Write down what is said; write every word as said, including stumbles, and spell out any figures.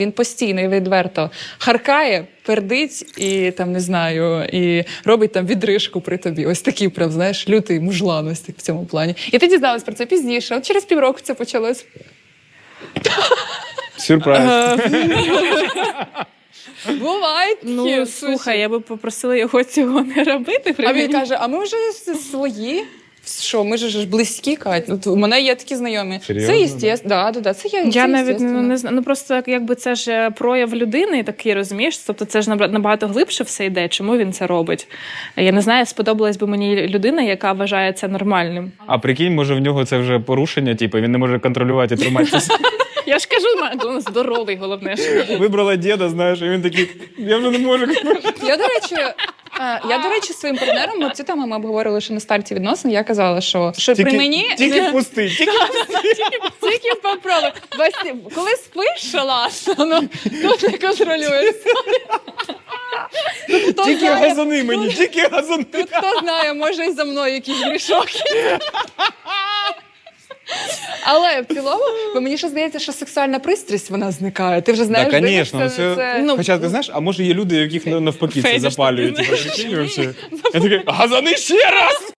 Він постійно і відверто харкає, пердить і там не знаю, і робить там відрижку при тобі. Ось такий прям, знаєш, лютий мужлан ось так в цьому плані. І ти дізналась про це пізніше. От через півроку це почалось. Сюрприз. Бувають. Ну, такі слухай, случаї. я би попросила його цього не робити. А він каже, а ми вже свої. Що, ми ж близькі, Кать. От у мене є такі знайомі. Серйозно, Це єстественно. Да, да, да, це я, Я це навіть єстественно. не, не знаю. Ну просто якби це ж прояв людини такий, розумієш? Тобто це ж набра- набагато глибше все йде. Чому він це робить? Я не знаю, сподобалась би мені людина, яка вважає це нормальним. А прикинь, може в нього це вже порушення, типу, він не може контролювати і триматися. Я ж кажу, він здоровий, головне. Що. Вибрала діда, знаєш, і він такий, я вже не можу. Я, до речі, е, я, до речі, своїм партнером, ми ці теми ми обговорили ще на старті відносин, я казала, що, що при мені... Тільки пусти, тільки Тільки попробуй. Басі, коли спиш, шалаш, ну, тут не контролюєш. Тут хто тільки знає, газони мені, тільки газони. тут хто знає, може і за мною якийсь грішок. Але в цілому, бо мені ще здається, що сексуальна пристрасть, вона зникає. Ти вже знаєш, Так, дивишся звісно, на це... це. Ну, Хоча, ти знаєш, а може є люди, яких навпаки це Фетиш запалює. такий, Типу, прикинь, вообще. Я такий, газони ще раз!